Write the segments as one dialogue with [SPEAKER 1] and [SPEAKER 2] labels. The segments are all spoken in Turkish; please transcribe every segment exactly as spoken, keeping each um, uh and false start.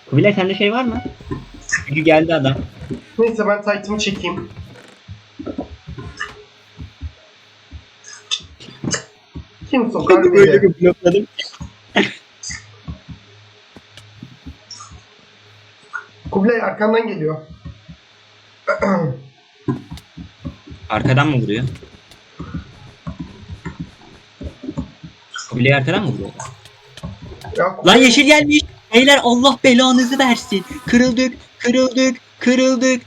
[SPEAKER 1] Kubilay sende şey var mı? Çünkü geldi adam.
[SPEAKER 2] Neyse ben tight'ımı çekeyim. Kim sokar
[SPEAKER 1] Böyle
[SPEAKER 2] beni?
[SPEAKER 1] bir blokladım.
[SPEAKER 2] Kubilay arkandan geliyor.
[SPEAKER 1] Arkadan mı vuruyor? Kubilay arkadan mı vuruyor?
[SPEAKER 2] Ya,
[SPEAKER 1] Lan
[SPEAKER 2] Kubilay-
[SPEAKER 1] yeşil gelmiş. Beyler Allah belanızı versin. Kırıldık, kırıldık, kırıldık.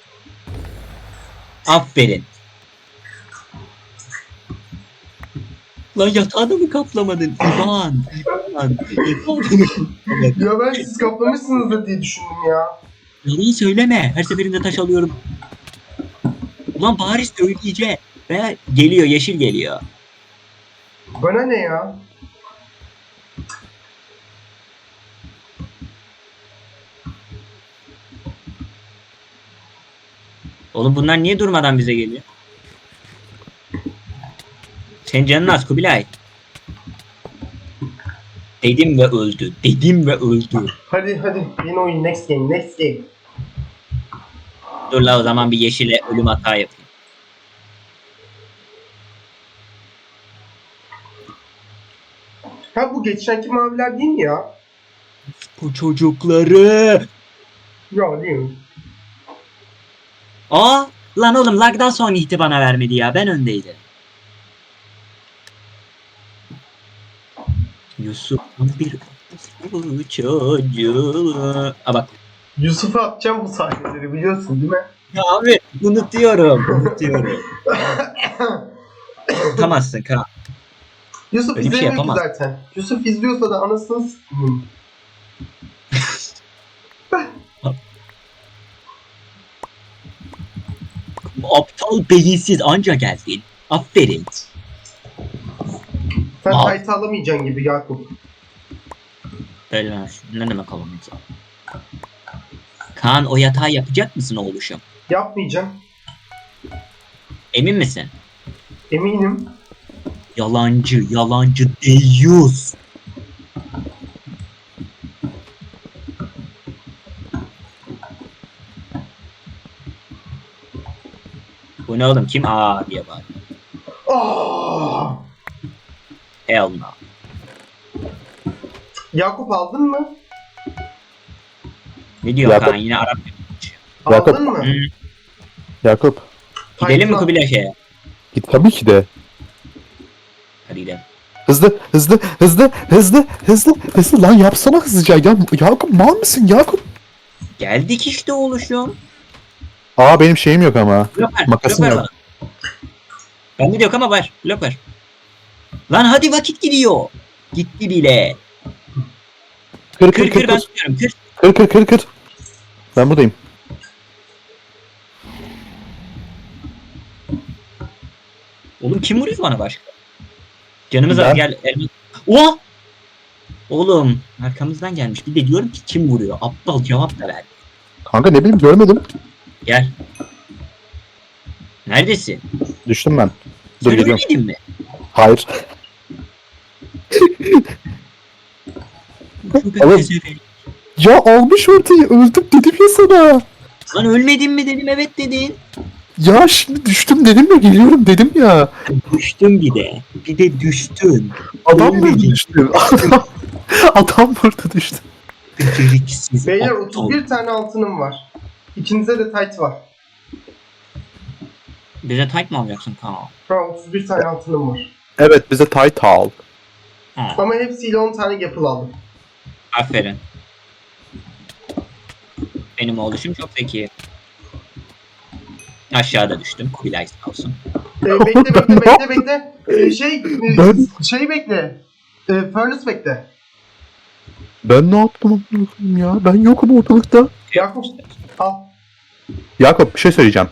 [SPEAKER 1] Aferin. Lan yatağını mı kaplamadın? İvan, İvan. Yatağını mı kaplamadın?
[SPEAKER 2] Ya ben siz kaplamışsınızdır diye düşündüm ya.
[SPEAKER 1] Yalan söyleme. Her seferinde taş alıyorum. Ulan bari söyleyeceğim. Ve geliyor, yeşil geliyor.
[SPEAKER 2] Bana ne ya?
[SPEAKER 1] Oğlum bunlar niye durmadan bize geliyor? Senin canın az Kubilay. Dedim ve öldü. Dedim ve öldü.
[SPEAKER 2] Hadi hadi yeni oyun, next game, next game.
[SPEAKER 1] Dur la o zaman bir yeşile ölüm hata yapayım.
[SPEAKER 2] Ha bu geçenki maviler değil mi ya?
[SPEAKER 1] Bu çocukları.
[SPEAKER 2] Ya değil mi?
[SPEAKER 1] Aa lan oğlum lagdan sonra ihti bana vermedi ya. Ben öndeydim. Yusuf bir çocuğu. Aa bak.
[SPEAKER 2] Yusuf'a atacağım bu sahneleri biliyorsun değil mi?
[SPEAKER 1] Ya abi unutuyorum. Unutuyorum. Tutamazsın Kaan.
[SPEAKER 2] Yusuf
[SPEAKER 1] Öyle bir şey
[SPEAKER 2] izlemiyor ki
[SPEAKER 1] yapamaz.
[SPEAKER 2] zaten. Yusuf izliyorsa da anasını s**eyim.
[SPEAKER 1] Aptal beyinsiz anca geldin. Aferin.
[SPEAKER 2] Sen
[SPEAKER 1] Al.
[SPEAKER 2] tight'ı alamayacaksın gibi Yakup.
[SPEAKER 1] Öyle ne demek alamayacağım? Kaan o yatağı yapacak mısın oğluşum?
[SPEAKER 2] Yapmayacağım.
[SPEAKER 1] Emin misin?
[SPEAKER 2] Eminim.
[SPEAKER 1] Yalancı, yalancı deyyus. Bu ne oğlum? Kim? Aa diye bağırıyor.
[SPEAKER 2] Aa!
[SPEAKER 1] Hell no.
[SPEAKER 2] Yakup aldın mı?
[SPEAKER 1] Ne diyor
[SPEAKER 3] Yakup.
[SPEAKER 1] Kaan? Yine Arap konuşuyor.
[SPEAKER 3] Yakup.
[SPEAKER 2] Aldın mı?
[SPEAKER 1] Hı.
[SPEAKER 3] Yakup.
[SPEAKER 1] Gidelim mi
[SPEAKER 2] Tight'la-
[SPEAKER 1] Kubilay şeye?
[SPEAKER 3] Git tabii ki de.
[SPEAKER 1] Hadi gidelim.
[SPEAKER 3] Hızlı, hızlı, hızlı, hızlı, hızlı, hızlı. Lan yapsana hızlıca. Ya Yakup mal mısın Yakup?
[SPEAKER 1] Geldik işte oğluşum.
[SPEAKER 3] Aa benim şeyim yok ama.
[SPEAKER 1] Blok ver.
[SPEAKER 3] Makasım
[SPEAKER 1] blok ver
[SPEAKER 3] yok.
[SPEAKER 1] bana. Bende de yok ama var. Blok ver. Lan hadi vakit gidiyor. Gitti bile.
[SPEAKER 3] Kır
[SPEAKER 1] Kır
[SPEAKER 3] kır kır
[SPEAKER 1] kır ben
[SPEAKER 3] kır.
[SPEAKER 1] tutuyorum kır.
[SPEAKER 3] Kır kır kır kır. Ben buradayım.
[SPEAKER 1] Oğlum kim vuruyor bana başka? Canımız
[SPEAKER 3] Ben.
[SPEAKER 1] az gel. Elma. Oha! Oğlum arkamızdan gelmiş. Bir de diyorum ki kim vuruyor? Aptal cevap da ver.
[SPEAKER 3] Kanka ne bileyim görmedim.
[SPEAKER 1] Gel. Neredesin?
[SPEAKER 3] Düştüm ben. Dur
[SPEAKER 1] Sen
[SPEAKER 3] geliyorum.
[SPEAKER 1] ölmedin mi?
[SPEAKER 3] Hayır.
[SPEAKER 1] Çok
[SPEAKER 3] Oğlum.
[SPEAKER 1] pezevenk.
[SPEAKER 3] Ya almış ortayı öldüm dedim ya sana.
[SPEAKER 1] Lan ölmedin mi dedim evet dedin.
[SPEAKER 3] Ya şimdi düştüm dedim ya geliyorum dedim ya.
[SPEAKER 1] Düştün bir de. Bir de düştün.
[SPEAKER 3] Adam
[SPEAKER 1] Ölmedin.
[SPEAKER 3] burada düştü. Adam, adam burada düştü.
[SPEAKER 1] Beceriksiz.
[SPEAKER 2] Beyler
[SPEAKER 1] aptal.
[SPEAKER 2] otuz bir tane altınım var. İkinize de tight var.
[SPEAKER 1] Bize tight mı alacaksın Kaan?
[SPEAKER 2] Ha otuz bir tane altınım var.
[SPEAKER 3] Evet bize tight al.
[SPEAKER 1] Ha,
[SPEAKER 2] Ama hepsiyle on tane yapıl aldım.
[SPEAKER 1] aferin. Benim oğluşum çok zeki. Aşağıda düştüm. Kubilay sağ olsun.
[SPEAKER 2] Ee, bekle bekle bekle bekle. Ee, şey e,
[SPEAKER 3] Ben-
[SPEAKER 2] şey bekle. Ee, furnace bekle.
[SPEAKER 3] Ben ne yaptım amına koyayım ya? Ben yokum ortalıkta.
[SPEAKER 2] Yakup al.
[SPEAKER 3] Yakup bir şey söyleyeceğim.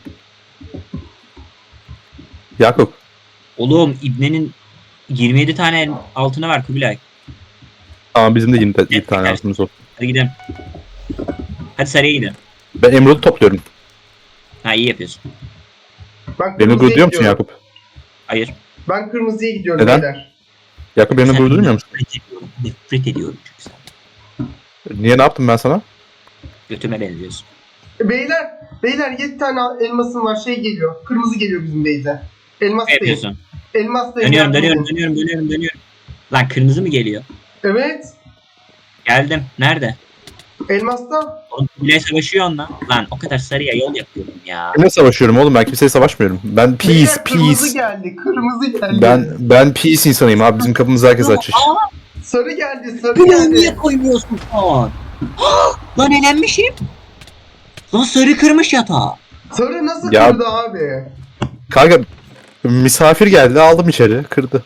[SPEAKER 3] Yakup.
[SPEAKER 1] Oğlum İbne'nin yirmi yedi tane el- altını var Kubilay.
[SPEAKER 3] Tamam bizim de yirmi yirmi
[SPEAKER 1] Evet,
[SPEAKER 3] tane
[SPEAKER 1] evet.
[SPEAKER 3] altımız olsun.
[SPEAKER 1] Hadi gidelim. Hadi sarıya gidelim.
[SPEAKER 3] Ben emerald topluyorum.
[SPEAKER 1] Ha iyi yapıyorsun.
[SPEAKER 2] Ben
[SPEAKER 3] Beni
[SPEAKER 2] kırmızıya
[SPEAKER 3] durduruyor musun
[SPEAKER 2] gidiyorum.
[SPEAKER 3] Yakup?
[SPEAKER 1] Hayır.
[SPEAKER 2] Ben kırmızıya gidiyorum
[SPEAKER 3] Neden?
[SPEAKER 2] beyler.
[SPEAKER 3] Yakup beni
[SPEAKER 1] Sen
[SPEAKER 3] durdurmuyor musun?
[SPEAKER 1] Nefret ediyorum. Nefret ediyorum çünkü sen.
[SPEAKER 3] Niye ne yaptım ben sana?
[SPEAKER 1] Götüme benziyorsun.
[SPEAKER 2] E, Beyler, beyler yedi tane elmasım var, şey geliyor. Kırmızı geliyor bizim beyze. Elmas
[SPEAKER 1] Ne
[SPEAKER 2] değil.
[SPEAKER 1] yapıyorsun?
[SPEAKER 2] Elmas değil.
[SPEAKER 1] Dönüyorum,
[SPEAKER 2] yardım
[SPEAKER 1] dönüyorum,
[SPEAKER 2] edin.
[SPEAKER 1] dönüyorum, dönüyorum, dönüyorum. Lan kırmızı mı geliyor?
[SPEAKER 2] Evet.
[SPEAKER 1] Geldim. Nerede?
[SPEAKER 2] Elmasta.
[SPEAKER 1] Oğlum bile savaşıyor onunla. Lan o kadar sarıya yol yapıyorum ya.
[SPEAKER 3] Kimle savaşıyorum oğlum? Ben kimseye savaşmıyorum. Ben peace,
[SPEAKER 2] Beyler, kırmızı
[SPEAKER 3] peace.
[SPEAKER 2] geldi. Kırmızı geldi.
[SPEAKER 3] Ben ben peace insanıyım abi. Bizim kapımızı herkes açır.
[SPEAKER 1] Aa,
[SPEAKER 2] Sarı geldi. Sarı
[SPEAKER 1] bunu
[SPEAKER 2] geldi.
[SPEAKER 1] niye koymuyorsun falan? Lan elenmişim. Lan sarı kırmış yatağı.
[SPEAKER 2] Sarı nasıl
[SPEAKER 3] Ya-
[SPEAKER 2] kırdı abi?
[SPEAKER 3] Kanka misafir geldi aldım içeri kırdı.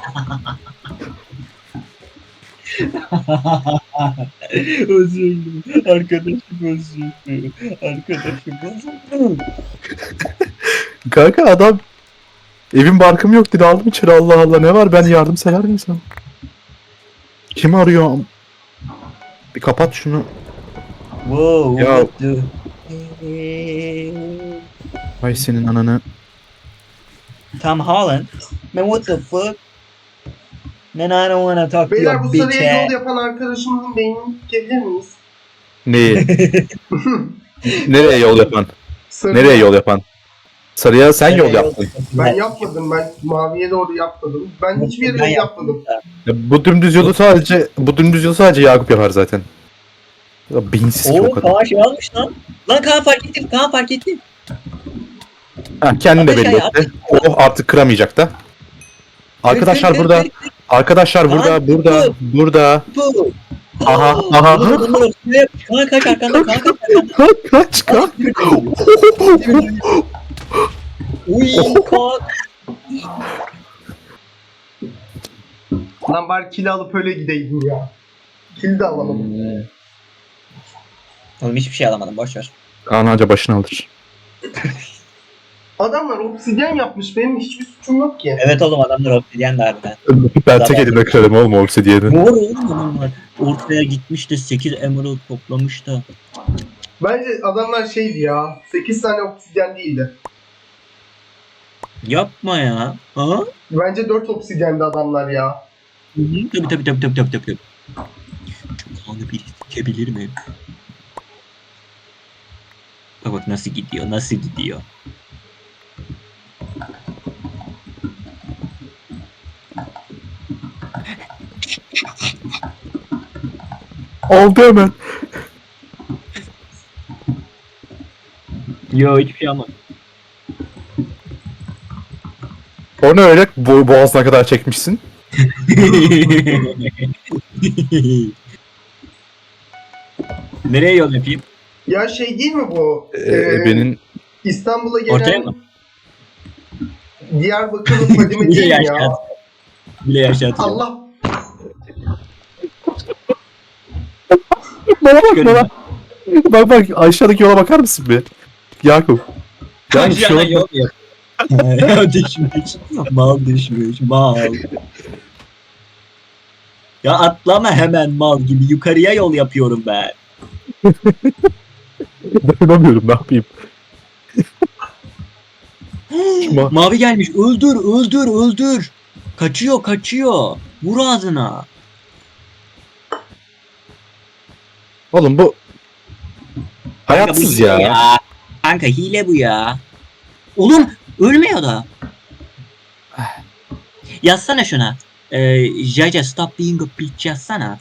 [SPEAKER 1] Özür dilerim. Arkadaşım özür dilerim. Arkadaşım özür dilerim.
[SPEAKER 3] Kanka adam evim barkım yok dedi aldım içeri Allah Allah ne var ben yardımsever bir insan. Kim arıyor? Bir kapat şunu.
[SPEAKER 1] Wow.
[SPEAKER 3] Ya-
[SPEAKER 1] what the-
[SPEAKER 3] Ay senin ananı.
[SPEAKER 1] Tom Holland. Man, what the fuck? Man, I don't wanna talk to
[SPEAKER 2] Beyler
[SPEAKER 1] your
[SPEAKER 2] bu
[SPEAKER 1] bitch
[SPEAKER 2] sarıya yol
[SPEAKER 1] ass.
[SPEAKER 2] yapan arkadaşımızın beynini tükebilir miyiz?
[SPEAKER 3] Neyi? Nereye yol yapan?
[SPEAKER 2] Sarı.
[SPEAKER 3] Nereye yol yapan? Sarıya sen yol
[SPEAKER 1] Nereye
[SPEAKER 3] yaptın.
[SPEAKER 2] Ben yapmadım. Ben maviye doğru yapmadım. Ben hiçbir yere
[SPEAKER 1] Ben
[SPEAKER 2] yol yapmadım.
[SPEAKER 3] Ya bu dümdüz yolu sadece bu dümdüz yolu sadece Yakup yapar zaten. Ya beyinsiz ki o
[SPEAKER 1] Oo,
[SPEAKER 3] kadar.
[SPEAKER 1] Kaan şey almış lan. Lan Kaan fark etti. Kaan fark etti.
[SPEAKER 3] Ha, kendini de belli
[SPEAKER 1] Aşağıya
[SPEAKER 3] etti. Oh artık kıramayacak da. Arkadaşlar
[SPEAKER 1] Kır, kır,
[SPEAKER 3] burada.
[SPEAKER 1] kır, kır,
[SPEAKER 3] Arkadaşlar
[SPEAKER 1] Lan,
[SPEAKER 3] burada, burada,
[SPEAKER 1] bu.
[SPEAKER 3] burada.
[SPEAKER 1] bu.
[SPEAKER 3] Aha,
[SPEAKER 1] Oo,
[SPEAKER 3] aha.
[SPEAKER 1] bunlar- bunlar üstüne yap. Kaan kaç arkanda. Kaan kaç arkanda.
[SPEAKER 3] Kaç, kaç, kaç.
[SPEAKER 1] Uy Kaan.
[SPEAKER 2] Lan bari kill alıp öyle gideydim ya. Kill de alamadım.
[SPEAKER 1] Oğlum hiçbir şey alamadım. Boş ver.
[SPEAKER 3] Ananca başını alır.
[SPEAKER 2] Adamlar obsidyen yapmış. Benim hiçbir suçum yok ki.
[SPEAKER 1] Evet oğlum adamlar obsidyen de harbiden.
[SPEAKER 3] Ben tek elimle kırarım oğlum obsidiyeni.
[SPEAKER 1] Doğru oğlum adamlar. Ortaya gitmiş de sekiz emerald toplamış da.
[SPEAKER 2] Bence adamlar şeydi ya. sekiz tane obsidyen değildi.
[SPEAKER 1] Yapma ya. Ha?
[SPEAKER 2] Bence dört obsidyendi adamlar ya.
[SPEAKER 1] Hı hı. Tabii tabii tabii tabii tabii tabii. Şu kanı bir sikebilir mi? Bak bak nasıl gidiyor, nasıl gidiyor.
[SPEAKER 3] Oldu hemen.
[SPEAKER 1] Yo hiçbir şey almadım.
[SPEAKER 3] O ne öyle bo boğazına kadar çekmişsin?
[SPEAKER 1] Nereye yol yapayım?
[SPEAKER 2] Ya şey değil mi bu?
[SPEAKER 3] Ee,
[SPEAKER 2] Ee,
[SPEAKER 3] benim
[SPEAKER 2] İstanbul'a
[SPEAKER 1] Ortaya
[SPEAKER 2] gelen
[SPEAKER 1] mı?
[SPEAKER 2] Diyarbakır'ın Fadime
[SPEAKER 1] Bile
[SPEAKER 2] değil mi ya?
[SPEAKER 1] yaşat. Bile yaşatıyor.
[SPEAKER 2] Allah.
[SPEAKER 3] bana bak
[SPEAKER 1] Görün.
[SPEAKER 3] bana. Bak bak aşağıdaki yola bakar mısın bir? Yakup. Yani şu
[SPEAKER 1] Aşağıdan
[SPEAKER 3] an
[SPEAKER 1] yol yap. Ya düşmüş. Mal düşmüş. Mal. Ya atlama hemen mal gibi. Yukarıya yol yapıyorum ben.
[SPEAKER 3] dayanamıyorum ne yapayım. Ma-
[SPEAKER 1] Mavi gelmiş. Öldür, öldür, öldür. Kaçıyor, kaçıyor. Vur ağzına.
[SPEAKER 3] Oğlum bu
[SPEAKER 1] Kanka,
[SPEAKER 3] hayatsız
[SPEAKER 1] bu hile
[SPEAKER 3] ya.
[SPEAKER 1] Kanka hile bu ya. Oğlum ölmüyor da. Yazsana şuna. Ee, Jaja stop being a bitch yazsana.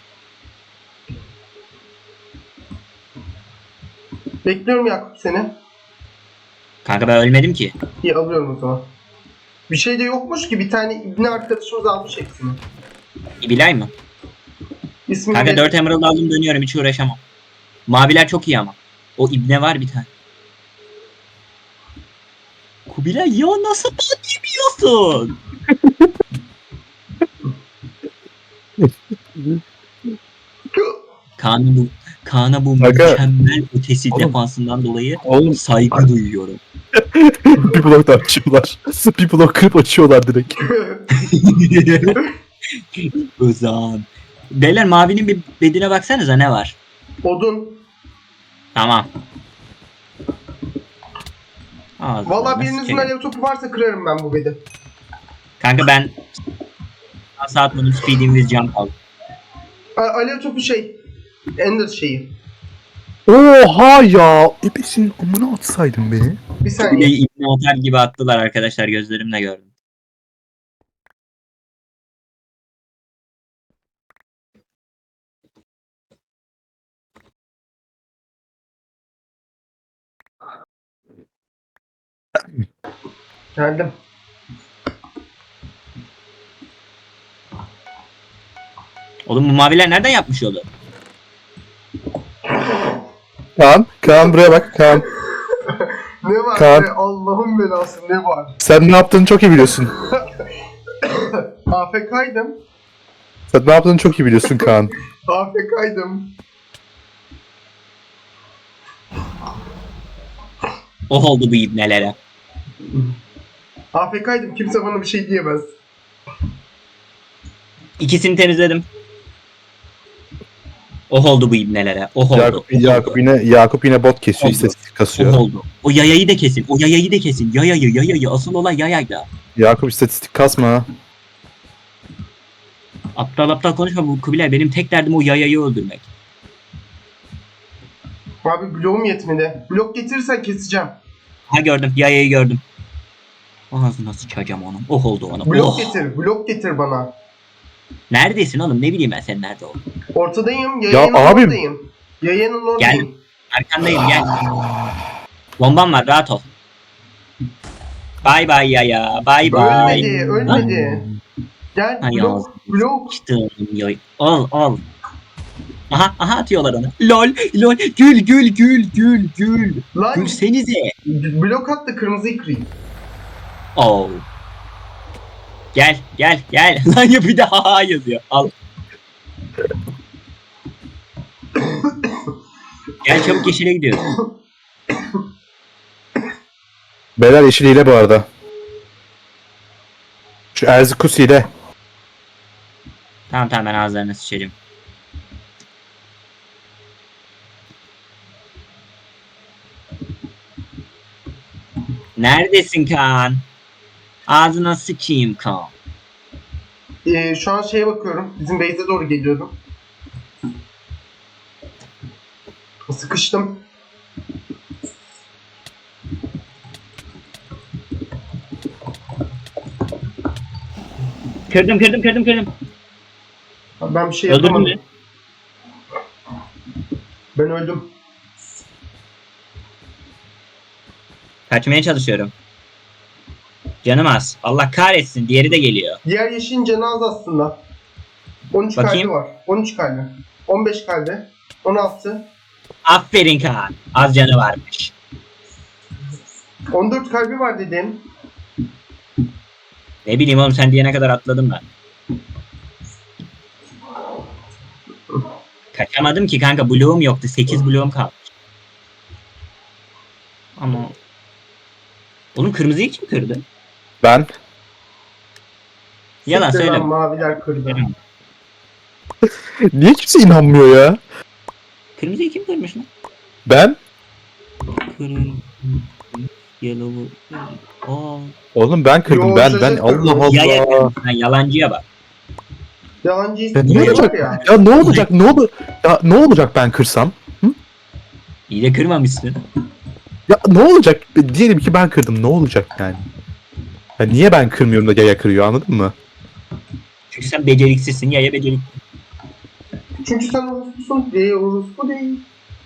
[SPEAKER 2] Bekliyorum Yakup seni.
[SPEAKER 1] Kanka ben ölmedim ki.
[SPEAKER 2] İyi alıyorum o zaman. Bir şey de yokmuş ki bir tane ibne arkadaşımız almış hepsini.
[SPEAKER 1] İbilay mı?
[SPEAKER 2] İsmini
[SPEAKER 1] Kanka
[SPEAKER 2] de-
[SPEAKER 1] dört emerald aldım dönüyorum hiç uğraşamam. Maviler çok iyi ama. O ibne var bir tane. Kubilay ya nasıl bot yemiyorsun? Kaan'ın bu Kaan'a bu
[SPEAKER 3] Kanka.
[SPEAKER 1] mükemmel ötesi
[SPEAKER 3] Oğlum.
[SPEAKER 1] defansından dolayı
[SPEAKER 3] Oğlum
[SPEAKER 1] saygı duyuyorum.
[SPEAKER 3] bir blok da açıyorlar. Bir blok kırıp açıyorlar direkt.
[SPEAKER 1] Özan. Beyler mavinin bir bedine baksanıza ne var?
[SPEAKER 2] Odun.
[SPEAKER 1] Tamam. Ağzına
[SPEAKER 2] Valla birinizin
[SPEAKER 1] sikeyim.
[SPEAKER 2] alev topu varsa kırarım ben bu bedi.
[SPEAKER 1] Kanka ben saat bunun speed'im with jump aldım.
[SPEAKER 2] A- alev topu şey. Ender şeyi.
[SPEAKER 3] Oha ya. Ebesin amına atsaydın beni.
[SPEAKER 2] Bir
[SPEAKER 1] Bir de
[SPEAKER 2] saniye.
[SPEAKER 1] ibne atar gibi attılar arkadaşlar, gözlerimle gördüm.
[SPEAKER 2] Geldim.
[SPEAKER 1] Oğlum bu maviler nereden yapmış yolu?
[SPEAKER 3] Kaan, Kaan buraya bak Kaan.
[SPEAKER 2] Ne var
[SPEAKER 3] Kaan.
[SPEAKER 2] be? Allah'ın belası ne var?
[SPEAKER 3] Sen ne yaptığını çok iyi biliyorsun.
[SPEAKER 2] A F K'ydım.
[SPEAKER 3] Sen ne yaptığını çok iyi biliyorsun Kaan.
[SPEAKER 2] A F K'ydım.
[SPEAKER 1] Oh oldu bu ibnelere.
[SPEAKER 2] A F K'ydım. Kimse bana bir şey diyemez.
[SPEAKER 1] İkisini temizledim. Oh oldu bu ibnelere. Oh oldu.
[SPEAKER 3] Yakup,
[SPEAKER 1] oh
[SPEAKER 3] Yakup
[SPEAKER 1] oldu.
[SPEAKER 3] yine Yakup yine bot kesiyor,
[SPEAKER 1] Oldu.
[SPEAKER 3] istatistik
[SPEAKER 1] Oh
[SPEAKER 3] kasıyor.
[SPEAKER 1] oldu. O yayayı da kesin. O yayayı da kesin. Yayayı yayayı. Asıl olay yayayla.
[SPEAKER 3] Yakup istatistik kasma.
[SPEAKER 1] Aptal aptal konuşma bu Kubilay. Benim tek derdim o yayayı öldürmek.
[SPEAKER 2] Abi bloğum yetmedi. Blok getirirsen keseceğim.
[SPEAKER 1] Ha gördüm. Yayayı gördüm. Ağzına sıçacağım onun. Oh oldu ona.
[SPEAKER 2] Blok
[SPEAKER 1] Oh.
[SPEAKER 2] getir. Blok getir bana.
[SPEAKER 1] Neredesin oğlum? Ne bileyim ben sen nerede oldun.
[SPEAKER 2] Ortadayım. Yayının
[SPEAKER 3] abim.
[SPEAKER 2] oradayım. Yayının oradayım.
[SPEAKER 1] Arkandayım gel. Bombam var, rahat ol. Bay bay yaya. Bay bay.
[SPEAKER 2] Ölmedi. Ölmedi. Gel
[SPEAKER 1] Hay
[SPEAKER 2] blok.
[SPEAKER 1] ağzını
[SPEAKER 2] Blok.
[SPEAKER 1] sıçtım yay. Al al. Aha aha atıyorlar onu. Lol lol gül gül gül gül gül.
[SPEAKER 2] Lan
[SPEAKER 1] Gülsenize.
[SPEAKER 2] blok attı kırmızıyı kırayım.
[SPEAKER 1] Oh. Gel gel gel. Lan ya bir de ha yazıyor. Al. Gel çabuk yeşile gidiyoruz.
[SPEAKER 3] Beyler yeşil hile bu arada. Şu Erzikus hile.
[SPEAKER 1] Tamam tamam ben ağızlarına sıçacağım. Neredesin Kaan? Ağzına sıçayım Kaan.
[SPEAKER 2] Ee, şu an şeye bakıyorum. Bizim base'e doğru geliyorum. Sıkıştım.
[SPEAKER 1] Kırdım kırdım kırdım kırdım.
[SPEAKER 2] Ben bir şey
[SPEAKER 1] Öldürdün
[SPEAKER 2] yapamadım.
[SPEAKER 1] mü?
[SPEAKER 2] Ben öldüm.
[SPEAKER 1] Kaçmaya çalışıyorum. Canım az. Allah kahretsin. Diğeri de geliyor.
[SPEAKER 2] Diğer yeşilin canı az aslında. on üç
[SPEAKER 1] Bakayım.
[SPEAKER 2] kalbi var. on üç kalbi. on beş kalbi. on altı.
[SPEAKER 1] Aferin Kaan. Az canı varmış.
[SPEAKER 2] on dört kalbi var dedim.
[SPEAKER 1] Ne bileyim oğlum sen diyene kadar atladım ben. Kaçamadım ki kanka. Bloğum yoktu. sekiz bloğum kalmış. Ama... Oğlum kırmızıyı kim kırdı?
[SPEAKER 3] Ben.
[SPEAKER 1] Yalan
[SPEAKER 2] Siktir lan,
[SPEAKER 1] söyleme.
[SPEAKER 2] maviler kırdı.
[SPEAKER 3] Niye kimse inanmıyor ya?
[SPEAKER 1] Kırmızıyı kim kırmış lan?
[SPEAKER 3] Ben.
[SPEAKER 1] Kırmızı... Yellow... Aa...
[SPEAKER 3] Oğlum ben kırdım
[SPEAKER 2] Yo,
[SPEAKER 3] ben
[SPEAKER 2] şaşırt
[SPEAKER 3] ben
[SPEAKER 2] kırdım.
[SPEAKER 3] Allah
[SPEAKER 1] Yaya
[SPEAKER 3] Allah.
[SPEAKER 1] kırmış lan. Yalancıya bak.
[SPEAKER 2] Yalancı
[SPEAKER 3] Ya ne
[SPEAKER 2] şey
[SPEAKER 3] olacak?
[SPEAKER 2] var ya.
[SPEAKER 3] Ya ne olacak? Ne olur? Ya ne olacak ben kırsam?
[SPEAKER 1] İyi de kırmamışsın.
[SPEAKER 3] Ya ne olacak? Diyelim ki ben kırdım. Ne olacak yani? Ya niye ben kırmıyorum da yaya kırıyor anladın mı?
[SPEAKER 1] Çünkü sen beceriksizsin. Yaya becerik.
[SPEAKER 2] Çünkü sen orospusun. Değil orospu değil.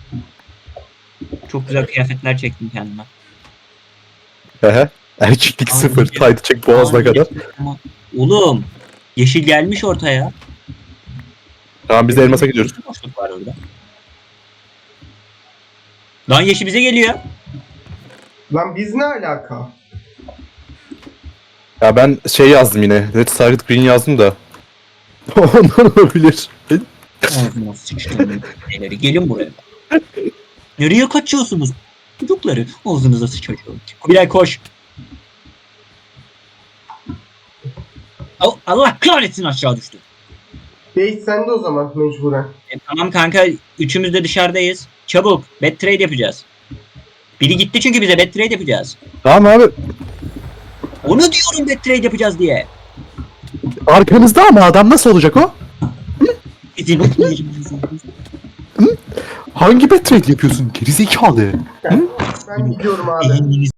[SPEAKER 1] Çok güzel kıyafetler çektim kendime.
[SPEAKER 3] Ehe. Erkeklik
[SPEAKER 1] Abi,
[SPEAKER 3] sıfır.
[SPEAKER 1] ya.
[SPEAKER 3] Taydı çek boğazına
[SPEAKER 1] Abi,
[SPEAKER 3] kadar.
[SPEAKER 1] ama- Oğlum. Yeşil gelmiş ortaya.
[SPEAKER 3] Tamam biz de elmasa gidiyoruz.
[SPEAKER 1] Boşluk var orada. Lan yeşil bize geliyor.
[SPEAKER 2] Lan biz ne alaka?
[SPEAKER 3] Ya ben şey yazdım yine. Red Target Green yazdım da. Ondan olabilir.
[SPEAKER 1] Ağzıma sıçtım. Neleri gelin buraya. Nereye kaçıyorsunuz? Çocukları ağzınıza sıçacağım. Kubilay koş. Al- Allah kahretsin aşağı düştü.
[SPEAKER 2] Base sende o zaman mecburen.
[SPEAKER 1] E, tamam kanka üçümüz de dışarıdayız. Çabuk bet trade yapacağız. Biri gitti çünkü bize bet trade yapacağız.
[SPEAKER 3] Tamam abi.
[SPEAKER 1] Onu diyorum bet trade yapacağız diye.
[SPEAKER 3] Arkanızda ama adam nasıl olacak o?
[SPEAKER 1] Bizim
[SPEAKER 3] Hangi betrayed yapıyorsun? Gerizekalı. Hı?
[SPEAKER 2] Ben gidiyorum abi.
[SPEAKER 1] Elini